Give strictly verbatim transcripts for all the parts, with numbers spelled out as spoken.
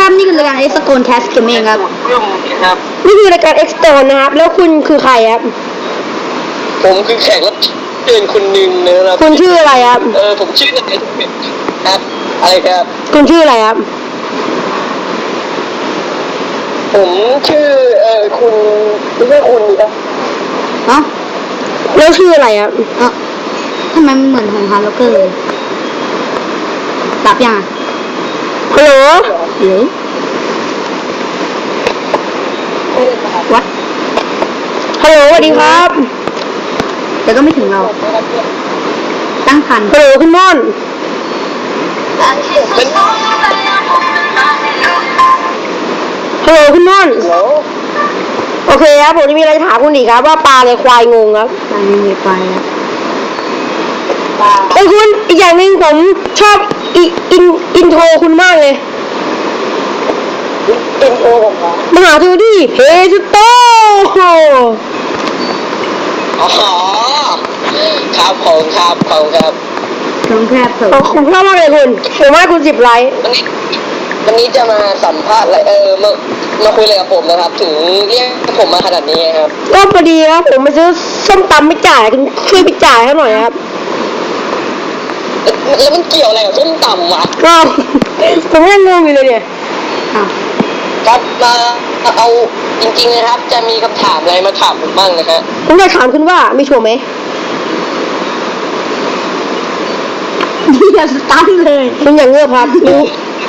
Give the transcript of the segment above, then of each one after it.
ครับนี่คือรายการ X Stone Cast Gaming ครับครับนี่คือรายการ X Stone นะครับแล้วคุณคือใครครับผมคือแขกรับเชิญคนหนึ่งนะครับคุณชื่ออะไรครับเออผมชื่ออะไรครับอะไรครับคุณชื่ออะไรครับผมชื่อเออคุณไม่ใช่คุณครับอ๋อแล้วชื่ออะไรครับอ๋อทำไมมันเหมือนของฮาร์ล็อกเกอร์เลยตับยังฮัลโหลหรือวัดฮัลโหลสวัสดีครับแต่ก็ไม่ถึงเราตั้งพันฮัลโหลคุณม่อนฮัลโหลคุณม่อนโอเคครับผมจะมีอะไรถามคุณอีกครับว่าปลาอะไรควายงงครับปลาไม่มีปลาครับไอ้คุณอีกอย่างหนึ่งผมชอบอิอินอินโทรคุณมากเลยอินโทรผมครับมหาทูดีเพจโตอ๋อครับของครับของครับของแคบผมผมชอบมากเลยคุณผมว่าคุณสิบไลค์วันนี้วันนี้จะมาสัมภาษณ์อะไรเออมามาคุยอะไรกับผมนะครับถึงเรียกผมมาขนาดนี้ครับก็พอดีครับผมมาซื้อส้มตำไม่จ่ายคุณช่วยไปจ่ายให้หน่อยครับแล้วมันเกี่ยวอะไรกับส้มตำวะก็ผมยังงงอยู่เลยเนี่ยครับมาเอาจริงๆนะครับจะมีคำถามอะไรมาถามผมบ้างนะฮะผมจะถามคุณว่ามีโชว์ไหมอย่าสตันเลยคุณอย่างเงือบครับรู้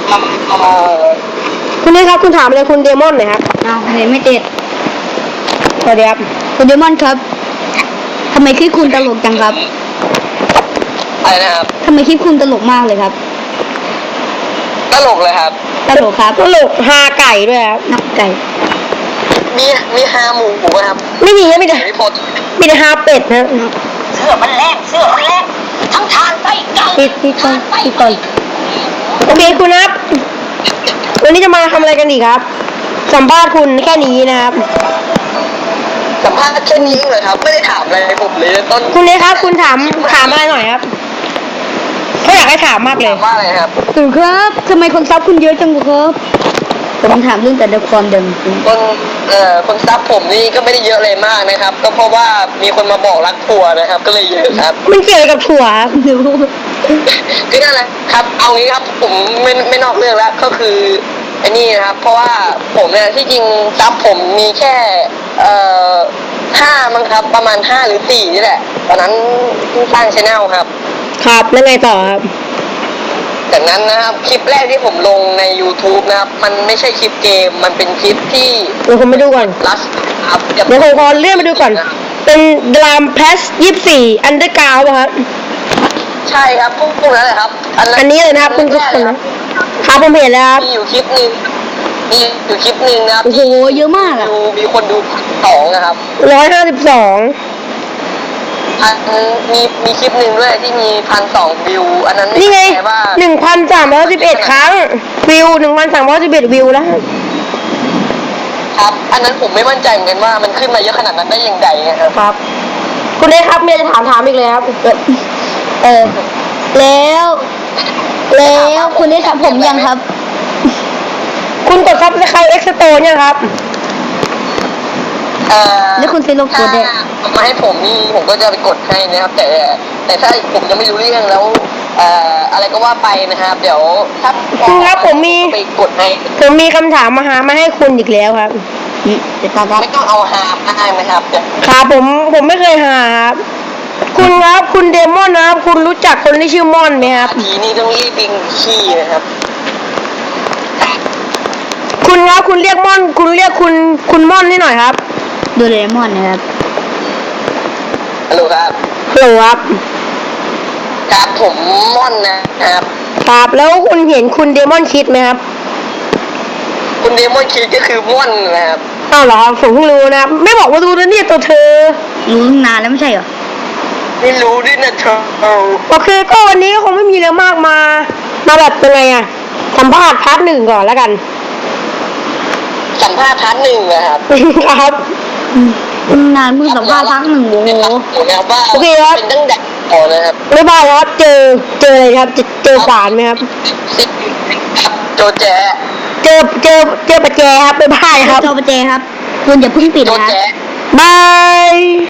คุณนี่ครับคุณถามอะไรคุณเดมอนหน่อยครับอ้าวเห็นไม่ติดสวัสดีครับคุณเดมอนครับทำไมคลิปคุณตลกจังครับอะไรนะครับทำไมคลิปคุณตลกมากเลยครับตลกเลยครับตลกครับตลกฮาไก่ด้วยครับนับไก่มีมีฮาหมูไหมครับไม่มีไม่ได้มีแต่ฮาเป็ดนะเสื้อมันแรงเสื้อมันแรงทั้งทานไปไก่ปิดปิดก่อนปิดก่อนโอเคคุณครับวันนี้จะมาทำอะไรกันดีครับสัมภาษณ์คุณแค่นี้นะครับสัมภาษณ์แค่นี้เลยครับไม่ได้ถามอะไรผมเลยต้นคุณเลยครับคุณถามถามอะไรหน่อยครับเขาอยากให้ถามมากเลยว่าอะไรครับคุณครับทำไมคนซับคุณเยอะจังครับผมถามเรื่องแต่ละความเดิมคนเอ่อคนซับผมนี่ก็ไม่ได้เยอะเลยมากนะครับก็เพราะว่ามีคนมาบอกรักถั่วนะครับก็เลยเยอะครับมันเกี่ยวกับถั่วก็นั่นแหละครับเอางี้ครับผมไม่ไม่นอกเรื่องแล้วก็คือไอ้นี่นะครับเพราะว่าผมเนี่ยที่จริงซับผมมีแค่เอ่อห้ามั้งครับประมาณห้าหรือสี่นี่แหละตอนนั้นสร้างชาแนลครับครับแล้วไงต่อครับจากนั้นนะครับคลิปแรกที่ผมลงใน YouTube นะครับมันไม่ใช่คลิปเกมมันเป็นคลิปที่เดี๋ยวผมไปดูก่อนลัสครับเดี๋ยวผมขอเลื่อนไปดูก่อนเป็นดรามเพสยี่สิบสี่อันเดอร์กราวด์ครับใช่ครับพวกพวกนั้นแหละครับอันนี้เลยนะครับคุณทุกคนนะครับผมเห็นแล้วครับมีอยู่คลิปนึงมีอยู่คลิปนึงนะครับโอ้โหเยอะมากอ่ะมีคนดูสองนะครับร้อยห้าสิบสองอันมีมีคลิปหนึ่งด้วยที่มีพันสองวิวอันนั้นนี่ไงหนึ่งพันสามร้อยสิบเอ็ดครั้งวิวหนึ่งพันสามร้อยสิบเอ็ดวิวแล้วครับอันนั้นผมไม่มั่นใจเหมือนกันว่ามันขึ้นมาเยอะขนาดนั้นได้ยังไงนะครับครับคุณเล็กครับเมียจะถามถามอีกเลยครับเออแล้วแล้วคุณได้ทำผมยังครับคุณกดซับสไครต์เอ็กซ์โตยังครับแล้วคุณซื้อโลโก้ได้มาให้ผมนี่ผมก็จะไปกดให้นะครับแต่แต่ถ้าผมยังไม่รู้เรื่องแล้วเอ่ออะไรก็ว่าไปนะครับเดี๋ยวถ้าคุณครับผมมีไปกดให้ผมมีคำถามมาหามาให้คุณอีกแล้วครับไม่ต้องเอาหาได้ไหมครับครับผมผมไม่เคยหาครับคุณครับคุณเดมอนนะครับคุณรู้จักคนที่ชื่อมอนไหมครับทีนี้ต้องรีบปิงขี้นะครับคุณครับคุณเรียกมอนคุณเรียกคุณคุณมอนให้หน่อยครับโดเรมอนนะครับฮัลโหลครับฮัลโหลครับครับผมมอนนะครับครับแล้วคุณเห็นคุณเดมอนคิดไหมครับคุณเดมอนคิดก็คือมอนนะครับอ้าวเหรอผมเพิ่งรู้นะครับไม่บอกว่าดูนะเนี่ยตัวเธอรู้ตั้งนานแล้วไม่ใช่เหรอไม่รู้ด้วยนะเธอโอเคก็วันนี้คงไม่มีอะไรมากมามาแบบเป็นไงอะสัมภาษณ์พาร์ทหนึ่งก่อนแล้วกันสัมภาษณ์พาร์ทหนึ่งนะครับครับนานเพิ่งสัมภาษณ์พาร์ทหนึ่งโอ้โหโอเคครับเป็นตั้งแต่ก่อนนะครับไม่บ้าครับเจอเจออะไรครับเจอขวานไหมครับโจแจเจอเจอเจอประแจครับบ๊ายบายครับจอประแจครับ คุณอย่าเพิ่งปิดโดนนะแจ๊บาย